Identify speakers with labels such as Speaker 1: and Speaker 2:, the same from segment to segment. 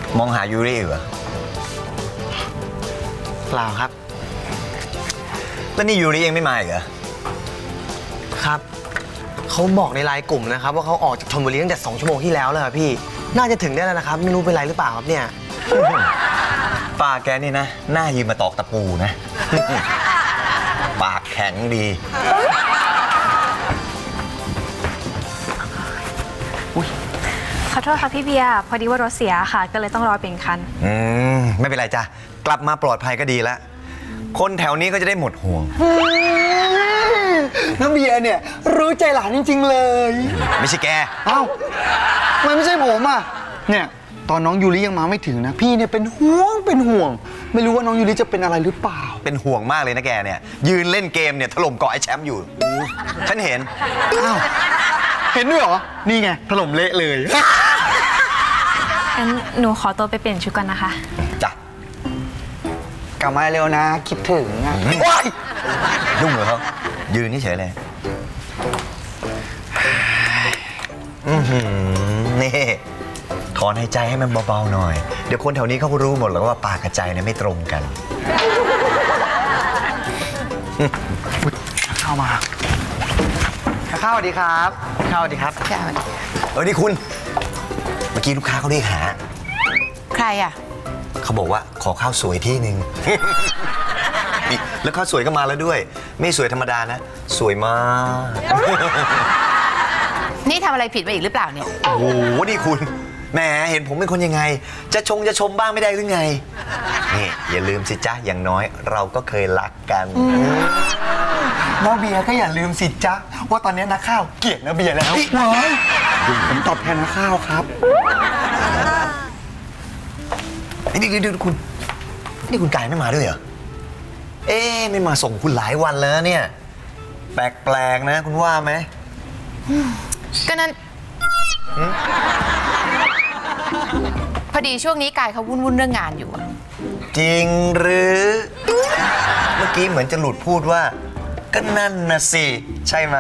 Speaker 1: มองหายูริเหรอ
Speaker 2: เปล่าครับ
Speaker 1: แล้วนี่ยูริยังไม่มาอีกเหรอ
Speaker 2: ครับเขาบอกในไลน์กลุ่มนะครับว่าเขาออกจากชลบุรีตั้งแต่2 ชั่วโมงที่แล้วเลยครับพี่น่าจะถึงได้แล้วนะครับไม่รู้เป็นไรหรือเปล่าครับเนี่ย
Speaker 1: ป้าแกนี่นะหน้ายืนมาตอกตะปูนะ ปากแข็งดี
Speaker 3: ขอโทษค่ะพี่เบียร์พอดีว่ารถเสียค่ะก็เลยต้องรอเปลี่ยนคัน
Speaker 1: ไม่เป็นไรจ้ะกลับมาปลอดภัยก็ดีแล้วคนแถวนี้ก็จะได้หมดห่วง
Speaker 4: น้ำเบียร์เนี่ยรู้ใจหลานจริงๆเลย
Speaker 1: ไม่ใช่แก
Speaker 4: เอ้ามันไม่ใช่ผมอ่ะเนี่ยตอนน้องยูริยังมาไม่ถึงนะพี่เนี่ยเป็นห่วงไม่รู้ว่าน้องยูริจะเป็นอะไรหรือเปล่า
Speaker 1: เป็นห่วงมากเลยนะแกเนี่ยยืนเล่นเกมเนี่ยถล่มเกาะไอ้แชมป์อยู่ฉันเห็น
Speaker 4: อ้าวเห็นด้วยเหรอนี่ไงถล่มเละเลย
Speaker 3: งั้นหนูขอตัวไปเปลี่ยนชุดก่อนนะคะ
Speaker 1: จ้ะ
Speaker 4: กลับมาเร็วนะคิดถึงอ่ะว้าย
Speaker 1: ยุ่งเหรอเขายืนเฉยเลยนี่ถอนหายใจให้มันเบาๆหน่อยเดี๋ยวคนแถวนี้เขาก็รู้หมดแล้วว่าปากกับใจเนี่ยไม่ตรงกัน
Speaker 4: เข้ามาข้าวสวัสดีครับข้าวสวัสดีครับ
Speaker 1: นี่คุณเมื่อกี้ลูกค้าเขาเรียกหา
Speaker 5: ใครอ่ะ
Speaker 1: เขาบอกว่าขอข้าวสวยที่หนึ่งแล้วข้าวสวยก็มาแล้วด้วยไม่สวยธรรมดานะสวยมาก
Speaker 5: นี่ทำอะไรผิดไปอีกหรือเปล่าเนี่ย
Speaker 1: โอ้โหนี่คุณแหมเห็นผมเป็นคนยังไงจะชมบ้างไม่ได้หรือไงนี่อย่าลืมสิจ๊ะอย่างน้อยเราก็เคยรักกัน
Speaker 4: น้องเบียร์ก็อย่าลืมสิจ๊ะว่าตอนนี้นักข้าวเกลียดน้องเบียร์แล้วผมตอบแทนนักข้าวครับ
Speaker 1: นี่คุณนี่คุณกายไม่มาด้วยเหรอไม่มาส่งคุณหลายวันแล้วเนี่ยแปลกๆนะคุณว่าไหม
Speaker 5: ก็นั้นพอดีช่วงนี้กายเขาวุ่นเรื่องงานอยู่
Speaker 1: จริงหรือเมื่อกี้เหมือนจะหลุดพูดว่าก็นั่นนะสิใช่ไหม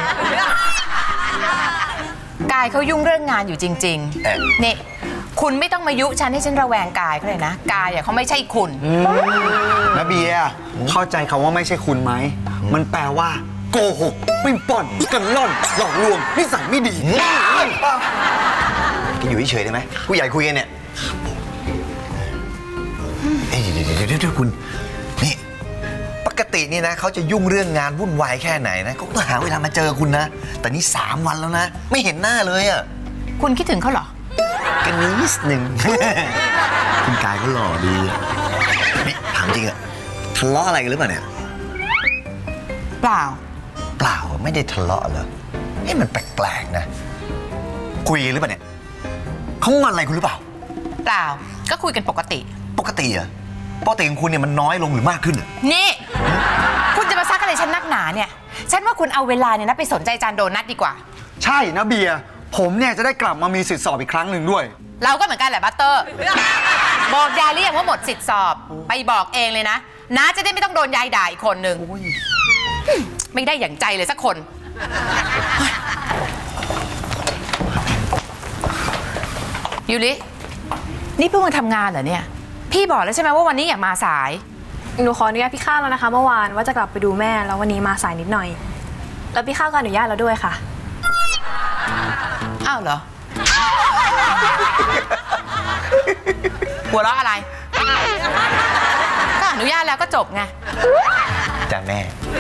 Speaker 5: กายเขายุ่งเรื่องงานอยู่จริงๆนี่คุณไม่ต้องมายุฉันให้ฉันระแวงกายเขาเลยนะกายเขาไม่ใช่คุณ
Speaker 4: นะเบียร์เข้าใจคำว่าไม่ใช่คุณไหมมันแปลว่าโกหกปิ้งป่อนกันล่อนหลอกลวงนิสัยไม่ดี
Speaker 1: กินอยู่เฉยๆได้ไหมผู้ใหญ่คุยกันเนี่ยเดี๋ยวคุณนี่ปกตินี่นะเขาจะยุ่งเรื่องงานวุ่นวายแค่ไหนนะเขาก็หาเวลามาเจอคุณนะแต่นี่3 วันแล้วนะไม่เห็นหน้าเลยอ่ะ
Speaker 5: คุณคิดถึงเขาเหรอ
Speaker 1: กันนิดหนึ่งคุณกายก็หล่อดีนี่ถามจริงอะทะเลาะอะไรกันหรือเปล่าเนี่ย
Speaker 5: เปล่า
Speaker 1: ไม่ได้ทะเลาะเหรอมันแปลกๆนะคุยหรือเปล่าเนี่ยเขางอนอะไรคุณหรือเปล่า
Speaker 5: เปล่าก็คุยกันปกติ
Speaker 1: เหรอปกติของคุณเนี่ยมันน้อยลงหรือมากขึ้น
Speaker 5: นี่คุณจะมาซักอะไรฉันนักหนาเนี่ยฉันว่าคุณเอาเวลาเนี่ยนะไปสนใจจานโดนัทดีกว่า
Speaker 4: ใช่นะเบียร์ผมเนี่ยจะได้กลับมามีสิทธิสอบอีกครั้งหนึ่งด้วย
Speaker 5: เราก็เหมือนกันแหละบัตเตอร์บอกยายเรียกว่าหมดสิทธิสอบไปบอกเองเลยนะน้าจะได้ไม่ต้องโดนยายด่าอีกคนหนึ่งไม่ได้อย่างใจเลยสักคนยูรินี่เพิ่งมาทำงานเหรอเนี่ยพี่บอกแล้วใช่ไหมว่าวันนี้อย่ามาสาย
Speaker 3: หนูขออนุญาตพี่ข้าวแล้วนะคะเมื่อวานว่าจะกลับไปดูแม่แล้ววันนี้มาสายนิดหน่อยแล้วพี่ข้าวก็อนุญาตแล้วด้วยค่ะ
Speaker 5: อ้าวเหรอหัวเราะอะไรก็อนุญาตแล้วก็จบไง
Speaker 1: จ้าแม่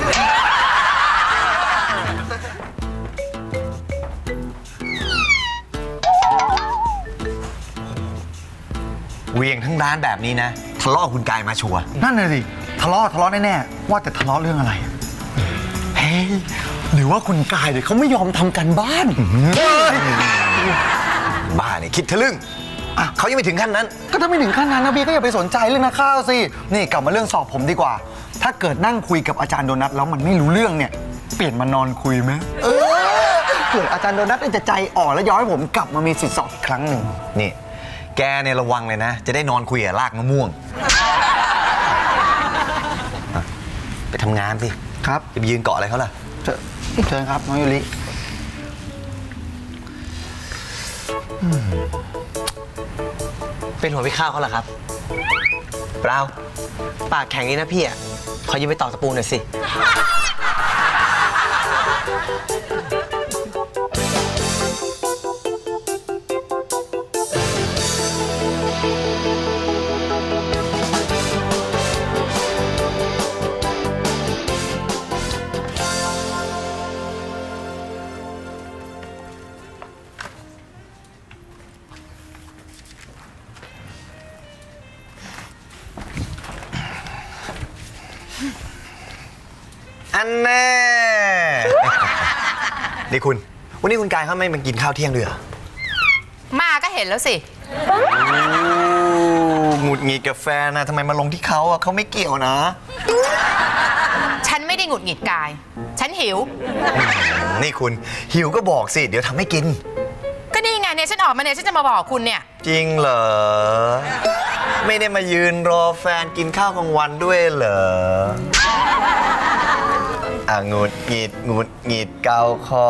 Speaker 1: เวียงทั้งร้านแบบนี้นะทะเลาะคุณกายมาชัวร์
Speaker 4: นั่นเลยสิทะเลาะแน่ๆว่าแต่ทะเลาะเรื่องอะไรเฮ้ยหรือว่าคุณกายเขาไม่ยอมทำกันบ้าน
Speaker 1: บ้าเนี่ยคิดทะลึ่งเขายังไม่ถึงขั้นนั้น
Speaker 4: ก็ถ้าไม่ถึงขั้นนั้นนะเบียร์ก็อย่าไปสนใจเรื่องนักข้าวสินี่กลับมาเรื่องสอบผมดีกว่าถ้าเกิดนั่งคุยกับอาจารย์โดนัทแล้วมันไม่รู้เรื่องเนี่ยเปลี่ยนมานอนคุยไหมเกิดอาจารย์โดนัทจะใจอ่อนแล้วย้อนให้ผมกลับมามีสิทธิสอบอีกครั้งหนึ่ง
Speaker 1: นี่แกเนี่ยระวังเลยนะจะได้นอนคุยกับรากมะม่วงไปทำงานสิ
Speaker 4: ครับ
Speaker 1: จะไปยืนเกาะอะไรเขาล่ะ
Speaker 4: เชิญครับน้องยูริ
Speaker 2: เป็นหัวพี่ข้าวเขาเหรอครับ
Speaker 1: เปล่า
Speaker 2: ปากแข็งนี้นะพี่อ่ะ ขอยืมไปตอกตะปูหน่อยสิ
Speaker 1: อันแน่ นี่คุณ วันนี้คุณกายเขาไม่มากินข้าวเที่ยงด้วยเหรอ
Speaker 5: มาก็เห็นแล้วสิ
Speaker 1: หงุดหงิดกับแฟนนะทำไมมาลงที่เขาอ่ะเขาไม่เกี่ยวนะ
Speaker 5: ฉันไม่ได้หงุดหงิดกาย ฉันหิว
Speaker 1: นี่คุณหิวก็บอกสิ เดี๋ยวทำให้กิน
Speaker 5: ก็นี่ไงเนี่ยฉันออกมาเนี่ยฉันจะมาบอกคุณเนี่ย
Speaker 1: จริงเหรอ ไม่ได้มายืนรอแฟนกินข้าวกลางวันด้วยเหรอหงุดหงิดเกาคอ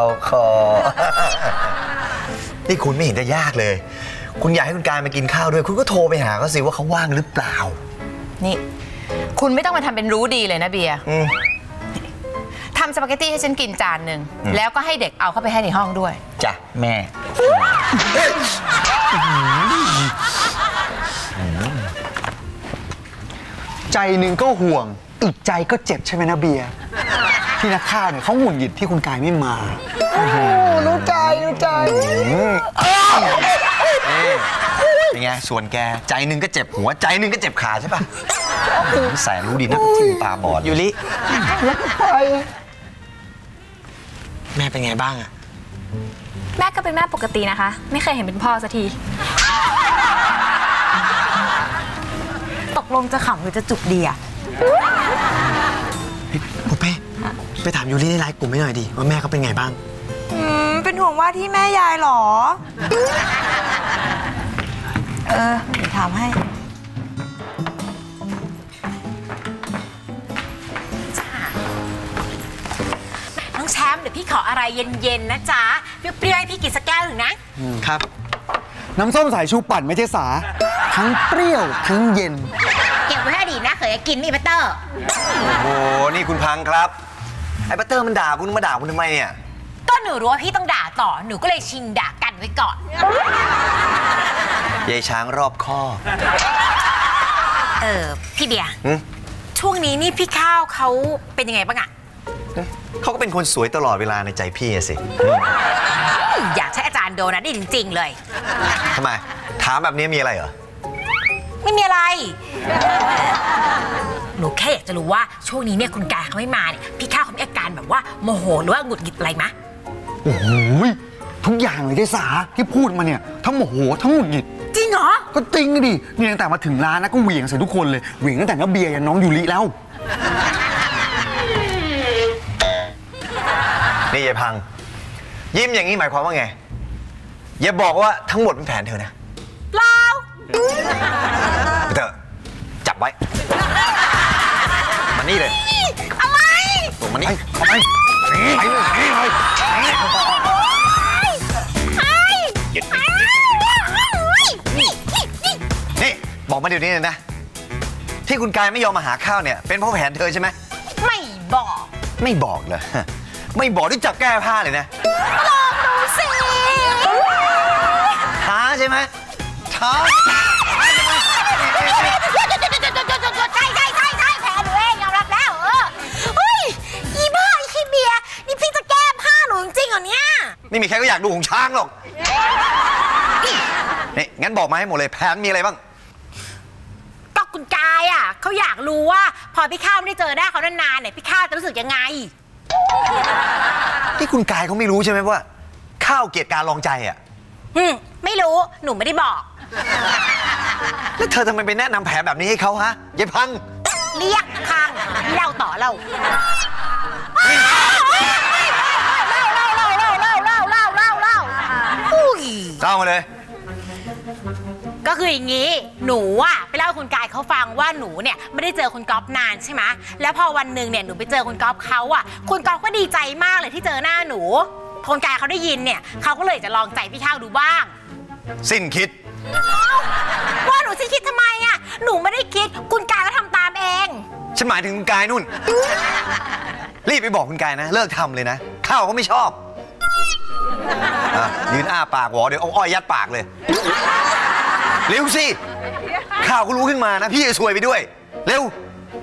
Speaker 1: นี่คุณไม่เห็นจะยากเลย คุณอยากให้คุณกายมากินข้าวด้วย คุณก็โทรไปหาเขาสิว่าเขาว่างหรือเปล่า
Speaker 5: นี่ คุณไม่ต้องมาทำเป็นรู้ดีเลยนะเบียร์
Speaker 1: อืม
Speaker 5: ทำสปาเกตตี้ให้ฉันกินจานหนึ่งแล้วก็ให้เด็กเอาเข้าไปให้ในห้องด้วย
Speaker 1: จ้ะแม่
Speaker 4: ใจหนึ่งก็ห่วง อีกใจก็เจ็บใช่ไหมนะเบียร์ที่นักข่าวเนี่ยเขาหงุดหงิดที่คุณกายไม่มารู้ใจ
Speaker 1: เป็นไง ส่วนแกใจหนึ่งก็เจ็บหัวใจหนึ่งก็เจ็บขาใช่ปะแสนรู้ดีนะที่ตาบอด
Speaker 2: ยูริ แม่เป็นไงบ้างอะ
Speaker 3: แม่ก็เป็นแม่ปกตินะคะ ไม่เคยเห็นเป็นพ่อสักที
Speaker 6: ตกลงจะขำหรือจะจุกดีอะ
Speaker 2: ปุ๊เป้ไปถามยูริในไลน์กลุ่มให้หน่อยดิว่าแม่เขาเป็นไงบ้าง
Speaker 6: เป็นห่วงว่าที่แม่ยายเหรอ เดี๋ยวถามให้
Speaker 7: น้องแชมป์เดี๋ยวพี่ขออะไรเย็นๆนะจ๊ะ เปรี้ยวๆให้พี่กินสักแก้วหนึ่งนะ
Speaker 2: ครับ
Speaker 4: น้ำส้มสายชูปั่นไม่ใช่สา ทั้งเปรี้ยวทั้งเย็น
Speaker 7: เก็บไว้ให้ดีนะเคยกินนี่บัตเตอร์
Speaker 1: โอ้โห นี่คุณพังครับ ไอ้บัตเตอร์มันด่าคุณมาด่าคุณทำไมเนี่ย
Speaker 7: ก็หนูรู้ว่าพี่ต้องด่าต่อ หนูก็เลยชิงด่ากันไว้ก่อน
Speaker 1: ยายช้างรอบข้อบ
Speaker 7: พี่เบียร์
Speaker 1: หึ
Speaker 7: ช่วงนี้นี่พี่ข้าวเขาเป็นยังไงบ้างอะ
Speaker 1: เขาก็เป็นคนสวยตลอดเวลาในใจพี่อะสิ
Speaker 7: อยากใช้อาจารย์โดนัทได้จริงๆเลย
Speaker 1: ทำไม ถามแบบนี้มีอะไรเหรอ
Speaker 7: ไม่มีอะไร หนูแค่อยากจะรู้ว่าช่วงนี้เนี่ยคุณกายเขาไม่มาเนี่ยพี่ข้าวเขามีอาการแบบว่าโมโหหรือว่าหงุดหงิดอะไรมะ
Speaker 4: โอ้โหทุกอย่างเลยใช่สาที่พูดมาเนี่ยทั้งโมโหทั้งหงุดหงิด
Speaker 7: จริงเหรอ
Speaker 4: ก็จริงดินี่ตั้งแต่มาถึงร้านนะก็เหวี่ยงใส่ทุกคนเลยเหวี่ยงตั้งแต่น้าเบียร์ยันน้องยูริแล้ว
Speaker 1: นี่ยายพัง ยิ้มอย่างนี้หมายความว่าไง อย่าบอกว่าทั้งหมดเป็นแผนเธอนะ
Speaker 7: เปล่า
Speaker 1: เธอจับไว้ มานี่เลย
Speaker 7: อะไร
Speaker 1: ส่งมานี่
Speaker 4: เอาไปไปเลย
Speaker 1: นี่บอกมาเดี๋ยวนี้เลยนะ ที่คุณกายไม่ยอมมาหาข้าวเนี่ย เป็นเพราะแผนเธอใช่ไหม
Speaker 7: ไม่บอก
Speaker 1: ไม่บอกเลย ไม่บอกด้วยจับแก้ผ้าเลยนะ
Speaker 7: ลองดูสิ
Speaker 1: ท้าใช่ไหมท้า
Speaker 7: ใช่แพ้หนูเองยอมรับแล้วเฮ้ยอีบ้าอีขี้เบียร์นี่พี่จะแก้ผ้าหนูจริงๆเหรอเนี่ย
Speaker 1: ไม่มีใครก็อยากดูของช้างหรอก นี่งั้นบอกมาให้หมดเลยแผนมีอะไรบ้าง
Speaker 7: ก็คุณกายอ่ะเขาอยากรู้ว่าพอพี่ข้าวไม่ได้เจอหน้าเขานานๆเนี่ยพี่ข้าวจะรู้สึกยังไง
Speaker 1: ที่คุณกายเขาไม่รู้ใช่ไหมว่า ข้าวเกลียดการลองใจอ่ะ
Speaker 7: ไม่รู้หนูไม่ได้บอก
Speaker 1: แล้วเธอทำไมไปแนะนำแผนแบบนี้ให้เขาฮะยายพัง
Speaker 7: เรียกข้างเล่าต่อเล่าอุ้ย
Speaker 1: เล่ามาเลย
Speaker 7: ก็คืออย่างนี้หนูอะไปเล่าให้คุณกายเขาฟังว่าหนูเนี่ยไม่ได้เจอคุณก๊อฟนานใช่ไหมแล้วพอวันหนึ่งเนี่ยหนูไปเจอคุณก๊อฟเขาอะคุณก๊อฟก็ดีใจมากเลยที่เจอหน้าหนูคุณกายเขาได้ยินเนี่ยเขาก็เลยจะลองใจพี่ข้าวดูบ้าง
Speaker 1: สิ้นคิด
Speaker 7: ฉันคิดทำไมอะหนูไม่ได้คิดคุณกายก็ทำตามเอง
Speaker 1: ฉันหมายถึงคุณกายนุ่น รีบไปบอกคุณกายนะ เลิกทำเลยนะ ข้าวเขาไม่ชอบอ่ะยืนอ้าปากหวอเดี๋ยวเอาอ้อยยัดปากเลย เร็วสิ ข้าวก็รู้ขึ้นมานะ พี่จะซวยไปด้วย เร็ว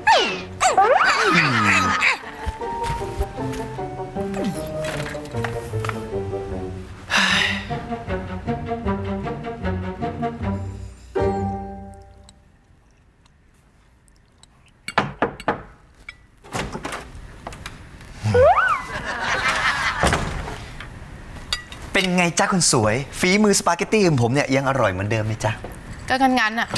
Speaker 1: เป็นไงจ๊ะคุณสวย ฝีมือสปาเกตตี้ของผมเนี่ยยังอร่อยเหมือนเดิมไหมจ๊ะ
Speaker 5: ก็งั้นๆน่ะ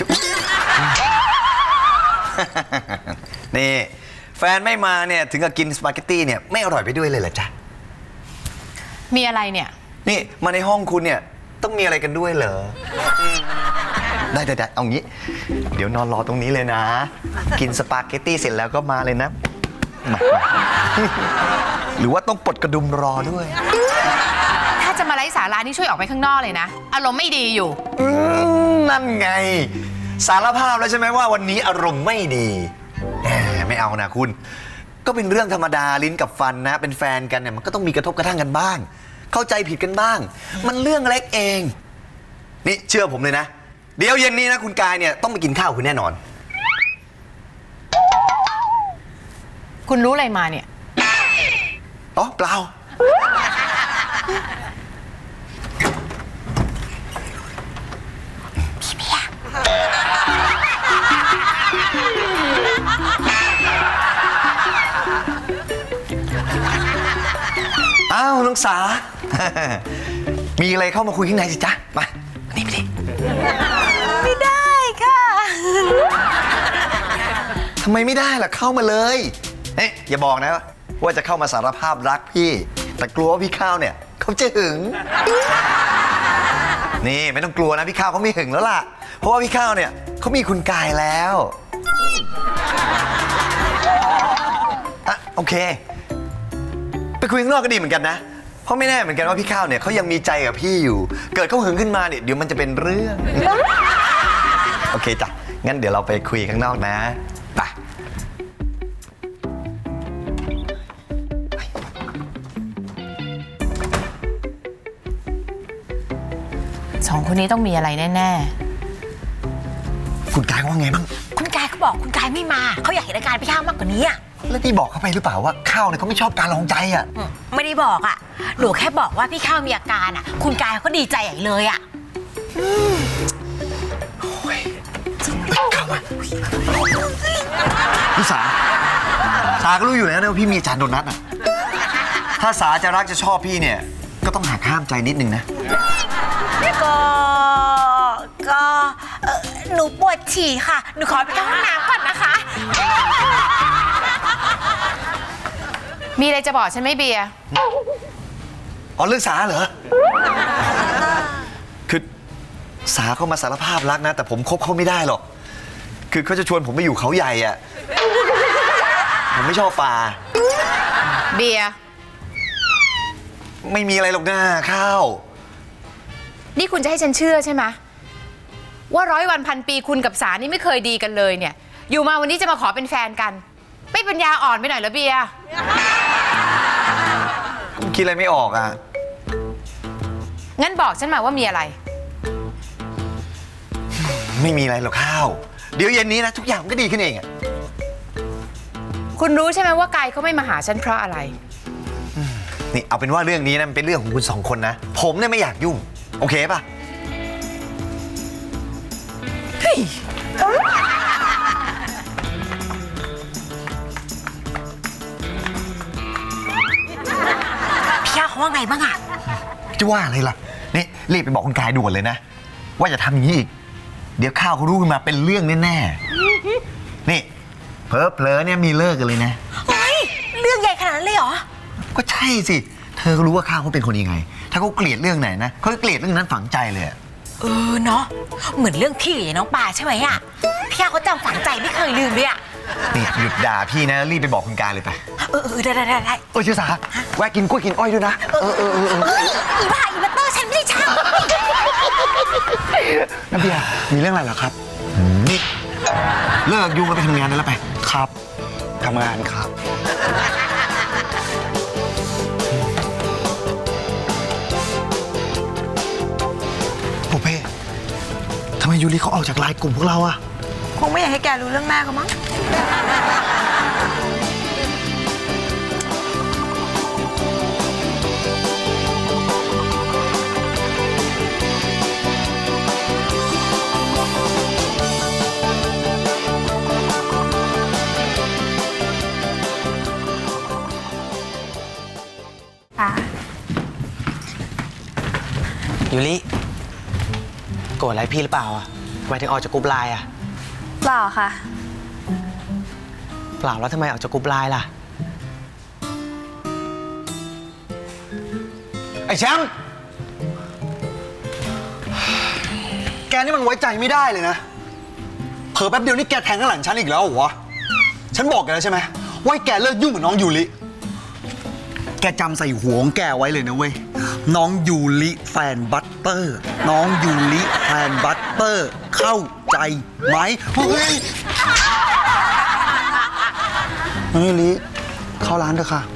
Speaker 1: นี่แฟนไม่มาเนี่ยถึงกับกินสปาเกตตี้เนี่ยไม่อร่อยไปด้วยเลยเหรอจ๊ะ
Speaker 5: มีอะไรเนี่ย
Speaker 1: นี่มาในห้องคุณเนี่ยต้องมีอะไรกันด้วยเหรอได้เอางี้ เดี๋ยวนอนรอตรงนี้เลยนะ กินสปาเกตตี้เสร็จแล้วก็มาเลยนะมาหรือว่าต้องปลดกระดุมรอด้วย
Speaker 5: ถ้าจะมาไร้สาระนี่ช่วยออกไปข้างนอกเลยนะ อารมณ์ไม่ดีอยู่
Speaker 1: นั่นไง สารภาพแล้วใช่ไหมว่าวันนี้อารมณ์ไม่ดีแหมไม่เอานะคุณ ก็เป็นเรื่องธรรมดาลิ้นกับฟันนะ เป็นแฟนกันเนี่ยมันก็ต้องมีกระทบกระทั่งกันบ้าง เข้าใจผิดกันบ้าง มันเรื่องเล็กเอง นี่เชื่อผมเลยนะ เดี๋ยวเย็นนี้นะคุณกายเนี่ยต้องไปกินข้าวคุณแน่นอน
Speaker 5: คุณรู้อะไรมาเนี่ย
Speaker 1: อ๋อเปล่า อ้าวน้องสา มีอะไรเข้ามาคุยข้างในสิจ๊ะ มานี่ไปดิ
Speaker 7: ไม่ได้ค่ะ
Speaker 1: ทำไมไม่ได้ล่ะเข้ามาเลยเอ๊ะอย่าบอกนะว่าจะเข้ามาสารภาพรักพี่ แต่กลัวว่าพี่ข้าวเนี่ยเขาจะหึง นี่ไม่ต้องกลัวนะพี่ข้าวเขาไม่หึงแล้วล่ะ เพราะว่าพี่ข้าวเนี่ยเขามีคุณกายแล้วอ่ะโอเค ไปคุยข้างนอกก็ดีเหมือนกันนะ เพราะไม่แน่เหมือนกันว่าพี่ข้าวเนี่ยเขายังมีใจกับพี่อยู่ เกิดเขาหึงขึ้นมาเนี่ยเดี๋ยวมันจะเป็นเรื่อง โอเคจ้ะ งั้นเดี๋ยวเราไปคุยข้างนอกนะไป
Speaker 5: สองคนนี้ต้องมีอะไรแน่
Speaker 1: คุณกายว่าไงบ้าง
Speaker 7: คุณกายเขาบอกคุณกายไม่มาเขาอยากเห็นอาการพี่ข้าวมากกว่านี้อะ
Speaker 1: แล้วที่บอกเขาไปหรือเปล่าว่าข้าวเนี่ยเขาไม่ชอบการลองใจอ่ะ
Speaker 7: ไม่ได้บอกอะหนูแค่บอกว่าพี่ข้าวมีอาการอะคุณกายเขาก็ดีใจใหญ่เลยอะ
Speaker 1: เข้ามาพี่สาก็รู้อยู่แล้วนะว่าพี่มีอาจารย์โดนัทอ่ะ ถ้าสาจะรักจะชอบพี่เนี่ย ก็ต้องหักห้ามใจนิดนึงนะ
Speaker 7: ก็หนูปวดฉี่ค่ะ หนูขอไปเข้าห้องน้ำก่อนนะคะ
Speaker 5: ๆ มีอะไรจะบอกฉันไหมเบียร์
Speaker 1: อ๋อเรื่องสาเหรอ คือสาเขามาสารภาพรักนะ แต่ผมคบเขาไม่ได้หรอก คือเขาจะชวนผมไปอยู่เขาใหญ่อ่ะ ผมไม่ชอบป่า
Speaker 5: เบียร์
Speaker 1: ไม่มีอะไรหรอกนะข้าว
Speaker 5: นี่คุณจะให้ฉันเชื่อใช่ไหมว่า100 วันพันปีคุณกับสานี่ไม่เคยดีกันเลยเนี่ย อยู่มาวันนี้จะมาขอเป็นแฟนกัน ไม่ปัญญาอ่อนไปหน่อยเหรอเบียร์
Speaker 1: ผมคิดอะไรไม่ออกอ่ะ
Speaker 5: งั้นบอกฉันมาว่ามีอะไร
Speaker 1: ไม่มีอะไรหรอกข้าว เดี๋ยวเย็นนี้นะทุกอย่างมันก็ดีขึ้นเองอ่ะ
Speaker 5: คุณรู้ใช่ไหมว่ากายเขาไม่มาหาฉันเพราะอะไร
Speaker 1: นี่เอาเป็นว่าเรื่องนี้นะมันเป็นเรื่องของคุณสองคนนะ ผมเนี่ยไม่อยากยุ่ง โอเคป่ะ
Speaker 7: พี่ข้าวเขาว่าไงบ้างอะ
Speaker 1: จะว่าอะไรล่ะ นี่รีบไปบอกคุณกายด่วนเลยนะ ว่าอย่าทำอย่างนี้อีก เดี๋ยวข้าวเขารู้ขึ้นมาเป็นเรื่องแน่ๆ นี่เผลอๆเนี่ยมีเลิกกันเลยนะ
Speaker 7: เฮ้ยเรื่องใหญ่ขนาดนั้นเลยเหรอ
Speaker 1: ก็ใช่สิ เธอก็รู้ว่าข้าวเขาเป็นคนยังไง ถ้าเขาเกลียดเรื่องไหนนะเขาก็เกลียดเรื่องนั้นฝังใจเลยอะ
Speaker 7: เนาะเหมือนเรื่องพี่กับน้องปลาใช่ไหมอะพี่ข้าวเขาจำฝังใจไม่เคยลืมเลยอะ
Speaker 1: นี่หยุดด่าพี่นะรีบไปบอกคุณกายเลยไป
Speaker 7: ได้
Speaker 1: เชื่อสาแวะกินกล้วยกินอ้อยด้วยนะ
Speaker 7: อีบ้าอีบัตเตอร์ฉันไม่ได้ช่าง
Speaker 4: น้ำเบียร์มีเรื่องอะไรเหรอครับ
Speaker 1: ฮนี่เลิกยุ่งแล้วไปทำงานได้แล้วไป
Speaker 4: ครับทำงานครับ โอเพ่ทำไมยูริเขาออกจากไลน์กลุ่มพวกเราอะ
Speaker 6: คงไม่อยากให้แกรู้เรื่องแม่เขามั้ง
Speaker 3: ค่ะ
Speaker 2: ยูริโกรธอะไรพี่หรือเปล่าอะทำไมถึงออกจากกลุ่มไลน์อะ
Speaker 3: เปล่าค่ะ
Speaker 2: เปล่าแล้วทำไมออกจากกลุ่มไลน์ล่ะ
Speaker 4: ไอ้แชมป์ แกนี่มันไว้ใจไม่ได้เลยนะ เผลอแป๊บเดียวนี่แกแทงข้างหลังฉันอีกแล้วเหรอวะ ฉันบอกแกแล้วใช่ไหมว่าให้แกเลิกยุ่งกับน้องยูริ แกจำใส่หัวของแกไว้เลยนะเว้ย น้องยูริแฟนบัตเตอร์ น้องยูริแฟนบัตเตอร์ เข้าใจไหมเฮ้ยน้องยูริเข้าร้านเถอะค่ะ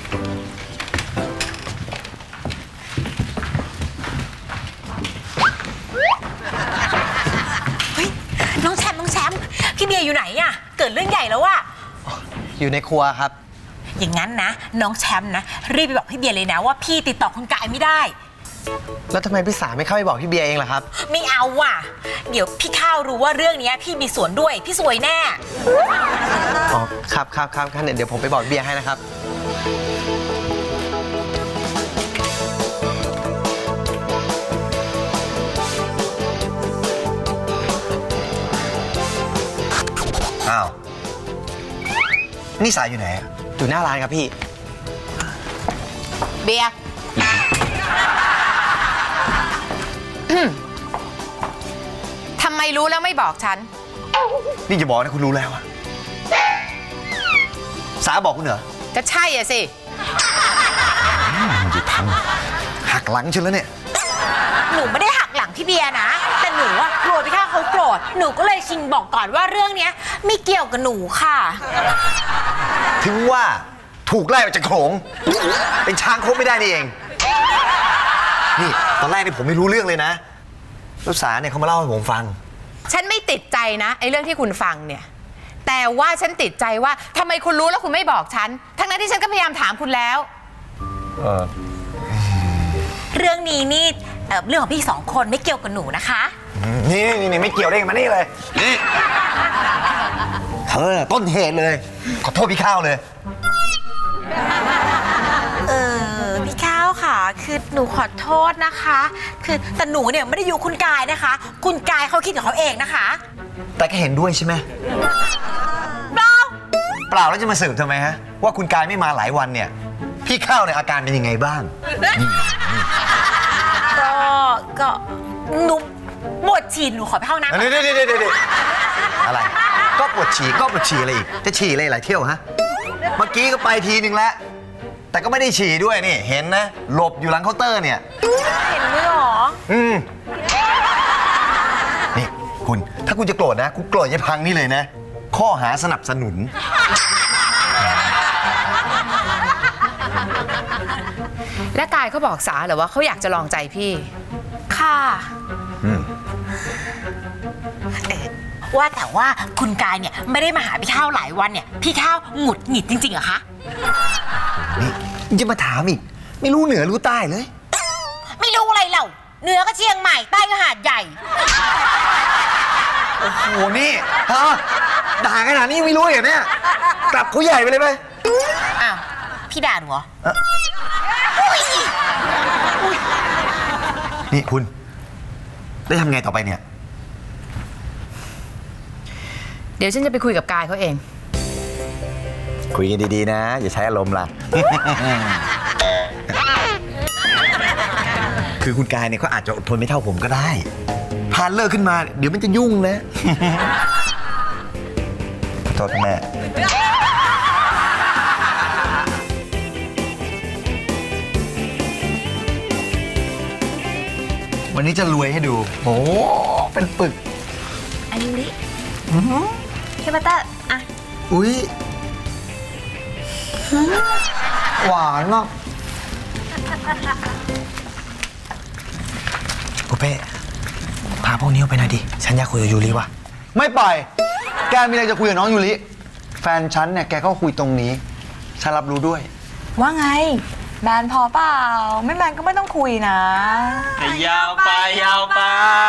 Speaker 7: เฮ้ยน้องแชมป์พี่เบียร์อยู่ไหนอะเกิดเรื่องใหญ่แล้วอะ
Speaker 2: อยู่ในครัวครับ
Speaker 7: อย่างนั้นนะน้องแชมป์นะรีบไปบอกพี่เบียร์เลยนะว่าพี่ติดต่อคุณกายไม่ได้
Speaker 2: แล้วทำไมพี่สาไม่เข้าไปบอกพี่เบียร์เองล่ะครับ
Speaker 7: ไม่เอาว่ะ เดี๋ยวพี่ข้าวรู้ว่าเรื่องนี้พี่มีส่วนด้วยพี่สวยแน่
Speaker 2: อ๋อครับงั้นเดี๋ยวผมไปบอกพี่เบียร์ให้นะครับ
Speaker 1: อ้าว นี่สายอยู่ไหนอะ
Speaker 2: อยู่หน้าร้านครับพี่
Speaker 5: เบียร์ทำไมรู้แล้วไม่บอกฉัน
Speaker 1: นี่จะบอกนะคุณรู้แล้วอะสาบอกคุณเหรอ
Speaker 5: ก็ใช่อะสิ
Speaker 1: มันจะพังหักหลังฉันแล้วเนี่ย
Speaker 7: หนูไม่ได้หักหลังพี่เบียร์นะ แต่หนูอะโกรธพี่ข้าวเขาโกรธหนูก็เลยชิงบอกก่อนว่าเรื่องเนี้ยไม่เกี่ยวกับหนูค่ะ
Speaker 1: ถึงว่าถูกไล่ออกจากโขลงเป็นช้างคบไม่ได้นี่เอง นี่ตอนแรกนี่ผมไม่รู้เรื่องเลยนะแล้วสาเนี่ยเขามาเล่าให้ผมฟัง
Speaker 5: ฉันไม่ติดใจนะไอ้เรื่องที่คุณฟังเนี่ย แต่ว่าฉันติดใจว่าทำไมคุณรู้แล้วคุณไม่บอกฉัน ทั้งนั้นที่ฉันก็พยายามถามคุณแล้ว
Speaker 7: เรื่องนี้นี่เรื่องของพี่สองคนไม่เกี่ยวกับหนูนะคะ
Speaker 1: นี่ไม่เกี่ยวได้ไงมานี่เลยนี่เธอน่ะต้นเหตุเลย ขอโทษพี่ข้าวเลย
Speaker 7: พี่ข้าวค่ะ คือหนูขอโทษนะคะ คือแต่หนูเนี่ยไม่ได้อยู่คุณกายนะคะ คุณกายเขาคิดกับเขาเองนะคะ
Speaker 1: แต่ก็เห็นด้วยใช่ไหม
Speaker 7: เปล่า
Speaker 1: เปล่าแล้วจะมาสืบทำไมฮะ ว่าคุณกายไม่มาหลายวันเนี่ย พี่ข้าวเนี่ยอาการเป็นยังไงบ้าง
Speaker 7: ก็หนูปวดฉี่หนูขอไปเข้าน้ำก่อน
Speaker 1: เดี๋ยวอะไร ก็ปวดฉี่อะไรอีก จะฉี่อะไรหลายเที่ยวฮะ เมื่อกี้ก็ไปทีนึงแล้ว แต่ก็ไม่ได้ฉี่ด้วยนี่ เห็นนะ หลบอยู่หลังเคาน์เตอร์เนี่ย
Speaker 7: เห็นด้วยเหรอ
Speaker 1: นี่คุณ ถ้าคุณจะโกรธนะ คุณโกรธยายพังนี่เลยนะ ข้อหาสนับสนุน
Speaker 5: และกายเขาบอกสาเหรอว่าเขาอยากจะลองใจพี่
Speaker 7: ค่ะ ว่าแต่ว่าคุณกายเนี่ยไม่ได้มาหาพี่ข้าวหลายวันเนี่ย พี่ข้าวหงุดหงิดจริงๆเหรอคะ
Speaker 1: นี่ยังจะมาถามอีก ไม่รู้เหนือรู้ใต้เลย
Speaker 7: ไม่รู้อะไรเหล่าเหนือก็เชียงใหม่ใต้ก็หาดใหญ่
Speaker 1: โอ้โห นี่ฮะด่าขนาดนี้ยังไม่รู้เหรอเนี่ย กลับเขาใหญ่ไปเลยไหม
Speaker 7: อ้าว พี่ด่าหนูเหรอ
Speaker 1: นี่คุณ ได้ทำไงต่อไปเนี่ย
Speaker 5: เดี๋ยวฉันจะไปคุยกับกายเขาเอง
Speaker 1: คุยกันดีๆนะ อย่าใช้อารมณ์ล่ะ คือคุณกายเนี่ยเขาอาจจะอดทนไม่เท่าผมก็ได้ พานเลิกขึ้นมา เดี๋ยวมันจะยุ่งนะ ขอโทษแม่ วันนี้จะรวยให้ดู โอ้เป็นปึก
Speaker 7: อั
Speaker 3: อายุริพี่บัตเตอร์อ่ะ
Speaker 4: อุ๊ย หวานมาก
Speaker 2: ปุเป้พาพวกนี้ออกไปหน่อยดิ ฉันอยากคุยกับยูริว่ะ
Speaker 4: ไม่ไป แกมีอะไรจะคุยกับน้องยูริ แฟนฉันเนี่ยแกก็คุยตรงนี้ ฉันรับรู้ด้วย
Speaker 6: ว่าไง แมนพอเปล่า ไม่แมนก็ไม่ต้องคุยนะ
Speaker 8: ยาวไปยาวไป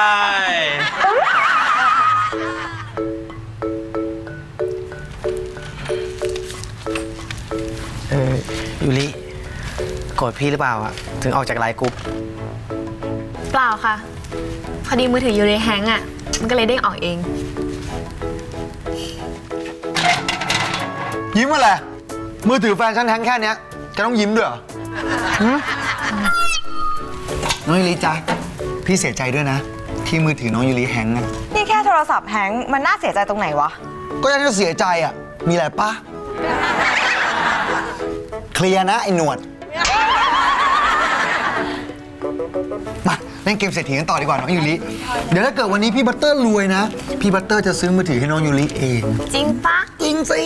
Speaker 2: ยูริโกรธพี่หรือเปล่าอะถึงออกจากไลน์กรุ๊ป
Speaker 3: เปล่าค่ะ พอดีมือถืออยู่ในแฮงก์อ่ะ มันก็เลยเด้งออกเอง
Speaker 4: ยิ้มอะไร มือถือแฟนฉันแฮงค์แค่เนี้ยแกต้องยิ้มด้วยเหรอหืมน้องยูริจ๊ะ พี่เสียใจด้วยนะ ที่มือถือน้องยูริแฮงค์อะ
Speaker 6: นี่แค่โทรศัพท์แฮงก์มันน่าเสียใจตรงไหนวะ
Speaker 4: ก็ยังจะเสียใจอ่ะ มีอะไรปะเคลียร์นะ ไอ้หนวด มาเล่นเกมเศรษฐีกันต่อดีกว่าน้องยูริ เดี๋ยวถ้าเกิดวันนี้พี่บัตเตอร์รวยนะ พี่บัตเตอร์จะซื้อมือถือให้น้องยูริเอง
Speaker 3: จริงปะ
Speaker 4: จริงสิ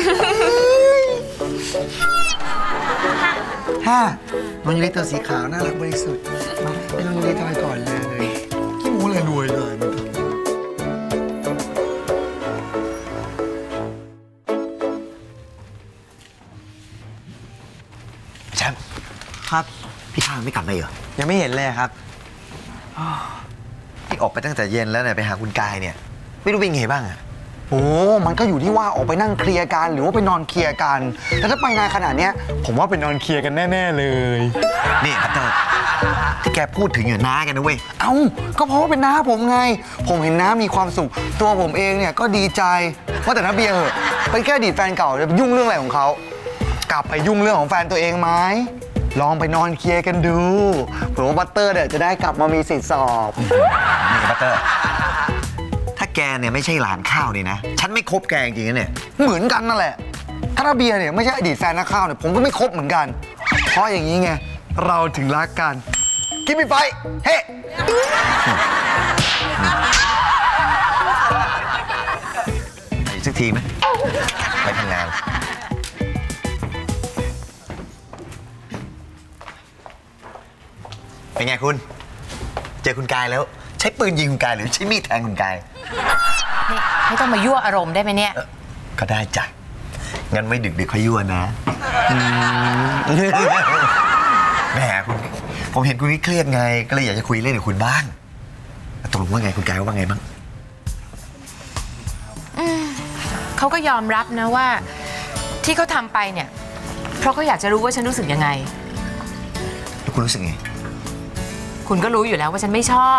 Speaker 4: ห้าน้องยูริตัวสีขาวน่ารักบริสุทธิ์มาให้น้องยูริทอยก่อนเลยขี้หมูเลยรวยเลย
Speaker 1: แชมป์
Speaker 2: ครับ
Speaker 1: พี่ข้าวไม่กลับเลยเหรอ
Speaker 2: ยังไม่เห็นเลยครับ
Speaker 1: พี่ออกไปตั้งแต่เย็นแล้วเนี่ยไปหาคุณกายเนี่ย ไม่รู้เป็นไงบ้างอะ
Speaker 4: โอ้ มันก็อยู่ที่ว่าออกไปนั่งเคลียร์กันหรือว่าไปนอนเคลียร์กัน แต่ถ้าไปนานขนาดเนี้ยผมว่าไปนอนเคลียร์กันแน่ๆเลย
Speaker 1: นี่พัตเตอร์ที่แกพูดถึงอย่างน้ากันนะเว้ย
Speaker 4: เอ้า ก็เพราะว่าเป็นน้าผมไง ผมเห็นน้ามีความสุข ตัวผมเองเนี่ยก็ดีใจว่าแต่น้าเบียร์เหอะเป็นแค่อดีตแฟนเก่าจะไปยุ่งเรื่องอะไรของเขา กลับไปยุ่งเรื่องของแฟนตัวเองไหม ลองไปนอนเคลียร์กันดูเผื่อว่าบัตเตอร์เนี่ยจะได้กลับมามีสิทธิ์สอบ
Speaker 1: นี่พัตเตอร์ ถ้าแกเนี่ยไม่ใช่หลานข้าวนี่นะ ฉันไม่คบแกจริงๆนะเนี่ย
Speaker 4: เหมือนกันนั่นแหละ ถ้าน้าเบียร์เนี่ยไม่ใช่อดีตแฟนนักข่าวเนี่ยผมก็ไม่คบเหมือนกัน เพราะอย่างนี้ไงเราถึงรักกันกินไม่ไปเฮ้
Speaker 1: ไปอีกสักทีไหมไปทำงาน เป็นไงคุณ เจอคุณกายแล้ว ใช้ปืนยิงคุณกายหรือใช้มีดแทงคุณกาย
Speaker 5: นี่ไม่ต้องมายั่วอารมณ์ได้ไหมเนี่ย
Speaker 1: ก็ได้จ้ะ งั้นไม่ดึกๆค่อยยั่วนะแหมคุณ ผมเห็นคุณเครียดไง ก็เลยอยากจะคุยเล่นกับคุณบ้างตกลงว่าไงคุณกายว่าไงบ้าง
Speaker 5: เขาก็ยอมรับนะว่าที่เขาทำไปเนี่ย เพราะเขาอยากจะรู้ว่าฉันรู้สึกยังไง
Speaker 1: แล้วคุณรู้สึกไง
Speaker 5: คุณก็รู้อยู่แล้วว่าฉันไม่ชอบ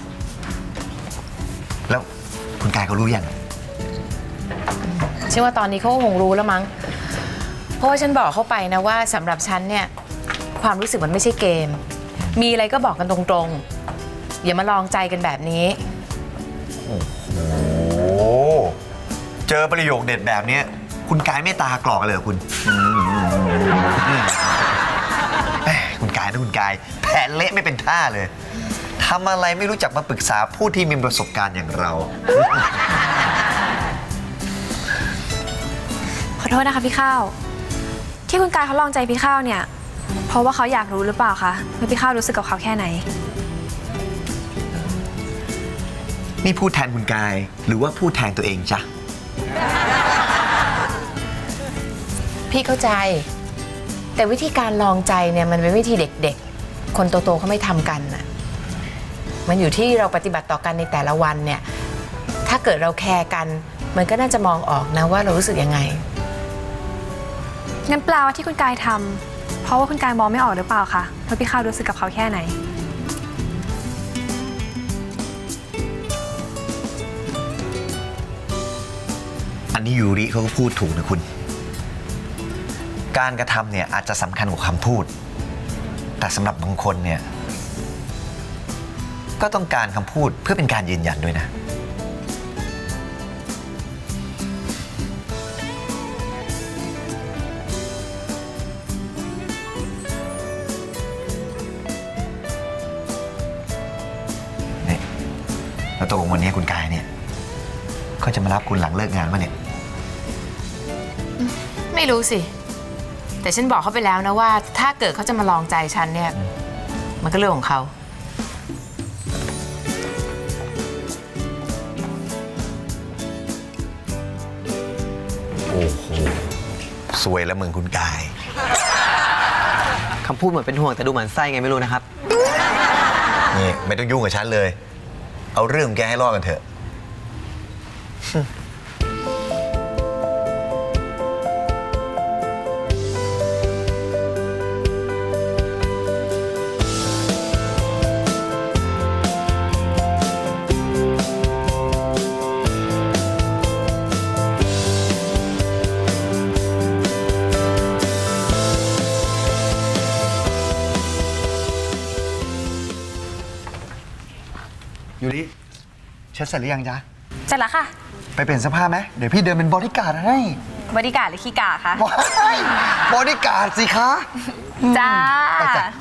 Speaker 1: แล้วคุณกายเขารู้ยัง
Speaker 5: เชื่อว่าตอนนี้เขาก็คงรู้แล้วมั้ง เพราะว่าฉันบอกเขาไปนะว่าสำหรับฉันเนี่ยความรู้สึกมันไม่ใช่เกม มีอะไรก็บอกกันตรงๆ อย่ามาลองใจกันแบบนี้
Speaker 1: โอ้เจอประโยคเด็ดแบบนี้คุณกายไม่ตากรอกเลยเหรอคุณแหมคุณกายนะคุณกายแผนเละไม่เป็นท่าเลยทำอะไรไม่รู้จักมาปรึกษาผู้ที่มีประสบการณ์อย่างเรา
Speaker 3: ขอโทษนะคะพี่ข้าว ที่คุณกายเขาลองใจพี่ข้าวเนี่ย เพราะว่าเขาอยากรู้หรือเปล่าคะว่าพี่ข้าวรู้สึกกับเขาแค่ไหน
Speaker 1: นี่พูดแทนคุณกายหรือว่าพูดแทนตัวเองจ๊ะ
Speaker 5: พี่เข้าใจ แต่วิธีการลองใจเนี่ยมันเป็นวิธีเด็กๆ คนโตๆเขาไม่ทำกันน่ะมันอยู่ที่เราปฏิบัติต่อกันในแต่ละวันเนี่ยถ้าเกิดเราแคร์กันมันก็น่าจะมองออกนะว่าเรารู้สึกยังไง
Speaker 3: งั้นแปลว่าที่คุณกายทำเพราะว่าคุณกายมองไม่ออกหรือเปล่าคะว่าพี่ข้าวรู้สึกกับเขาแค่ไหน
Speaker 1: อันนี้ยูริเขาก็พูดถูกนะคุณ การกระทำเนี่ยอาจจะสำคัญกว่าคำพูด แต่สำหรับบางคนเนี่ยก็ต้องการคำพูดเพื่อเป็นการยืนยันด้วยนะ นี่แล้วตกลงวันนี้คุณกายเนี่ยเขาจะมารับคุณหลังเลิกงานมาเนี่ย
Speaker 5: ไม่รู้สิ แต่ฉันบอกเขาไปแล้วนะว่า ถ้าเกิดเขาจะมาลองใจฉันเนี่ย มันก็เรื่องของเขา
Speaker 1: โอ้โหสวยแล้วมึงคุณกาย
Speaker 2: คำพูดเหมือนเป็นห่วงแต่ดูเหมือนไส้ไงไม่รู้นะครับ
Speaker 1: นี่ไม่ต้องยุ่งกับฉันเลย เอาเรื่องของแกให้รอดกันเถอะ
Speaker 4: ยูริเช็ดเสร็จหรือยังจ๊ะ
Speaker 3: เสร็จแล้วค่ะ
Speaker 4: ไปเปลี่ยนเสื้อผ้าไหมเดี๋ยวพี่เดินเป็นบอดี้การ์ดให้
Speaker 3: บริการดหรือขี้กาคะ
Speaker 4: ว้ายบอดี้การ์ดสิคะ
Speaker 3: จ้า
Speaker 4: ไปจ้ะ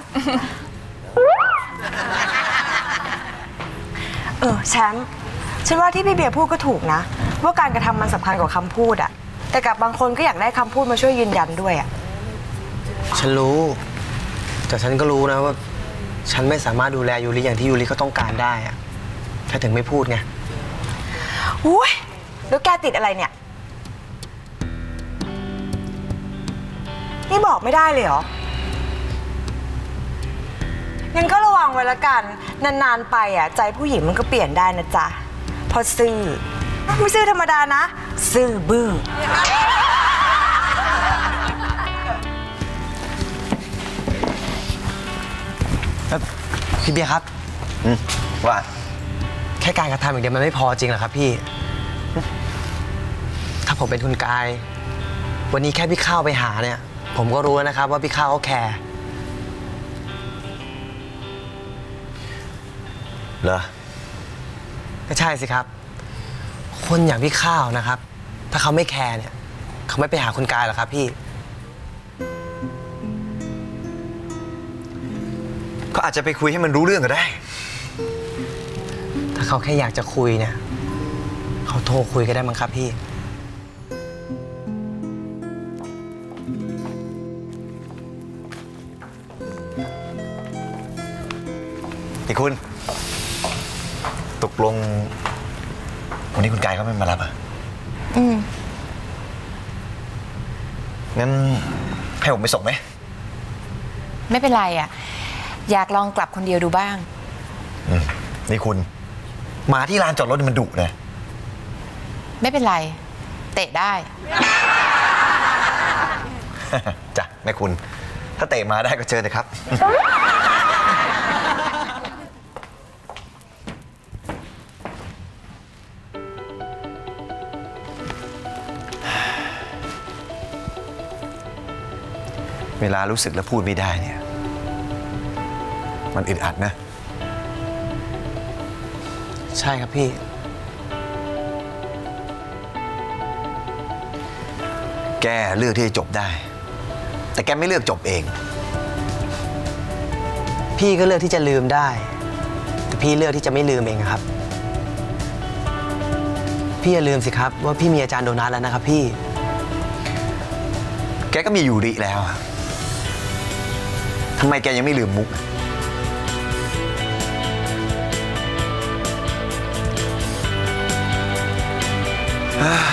Speaker 6: แชมป์ฉันว่าที่พี่เบียร์พูดก็ถูกนะ ว่าการกระทำมันสำคัญกว่าคำพูดอะแต่กับบางคนก็อยากได้คำพูดมาช่วยยืนยันด้วยอะ
Speaker 2: ฉันรู้ แต่ฉันก็รู้นะว่า ฉันไม่สามารถดูแลยูริอย่างที่ยูริเขาต้องการได้อะแค่ถึงไม่พูดไง
Speaker 6: อุ้ยแล้วแกติดอะไรเนี่ย นี่บอกไม่ได้เลยเหรอ งั้นก็ระวังไว้ละกัน นานๆไปอ่ะใจผู้หญิงมันก็เปลี่ยนได้นะจ๊ะเพราะซื่อ ไม่ซื่อธรรมดานะ ซื่อบื้อ
Speaker 2: พี่เบียร์ครับ
Speaker 1: ว่า
Speaker 2: แค่การกระทำอย่างเดียวมันไม่พอจริงเหรอครับพี่ ถ้าผมเป็นคุณกาย วันนี้แค่พี่ข้าวไปหาเนี่ย ผมก็รู้แล้วนะครับว่าพี่ข้าวเขาแคร์
Speaker 1: เหรอ
Speaker 2: ก็ใช่สิครับ คนอย่างพี่ข้าวนะครับ ถ้าเขาไม่แคร์เนี่ย เขาไม่ไปหาคุณกายหรอกครับพี่
Speaker 1: ก็อาจจะไปคุยให้มันรู้เรื่องก็ได้
Speaker 2: ถ้าเขาแค่อยากจะคุยเนี่ย เขาโทรคุยก็ได้มั้งครับพี่
Speaker 1: นี่คุณ ตกลง วันนี้คุณกายเขาไม่มารับอ่ะ งั้นให้ผมไปส่งไหม
Speaker 5: ไม่เป็นไรอ่ะ อยากลองกลับคนเดียวดูบ้าง
Speaker 1: นี่คุณหมาที่ลานจอดรถนี่มันดุนะ
Speaker 5: ไม่เป็นไร เตะได้
Speaker 1: จ้ะแม่คุณ ถ้าเตะมาได้ก็เชิญเลยครับ เวลารู้สึกแล้วพูดไม่ได้เนี่ย มันอึดอัดนะ
Speaker 2: ใช่ครับพี่
Speaker 1: แกเลือกที่จะจบได้ แต่แกไม่เลือกจบเอง
Speaker 2: พี่ก็เลือกที่จะลืมได้ แต่พี่เลือกที่จะไม่ลืมเองอะครับ พี่อย่าลืมสิครับว่าพี่มีอาจารย์โดนัทแล้วนะครับพี่
Speaker 1: แกก็มียูริแล้วอะทำไมแกยังไม่ลืมมุก เฮ้ย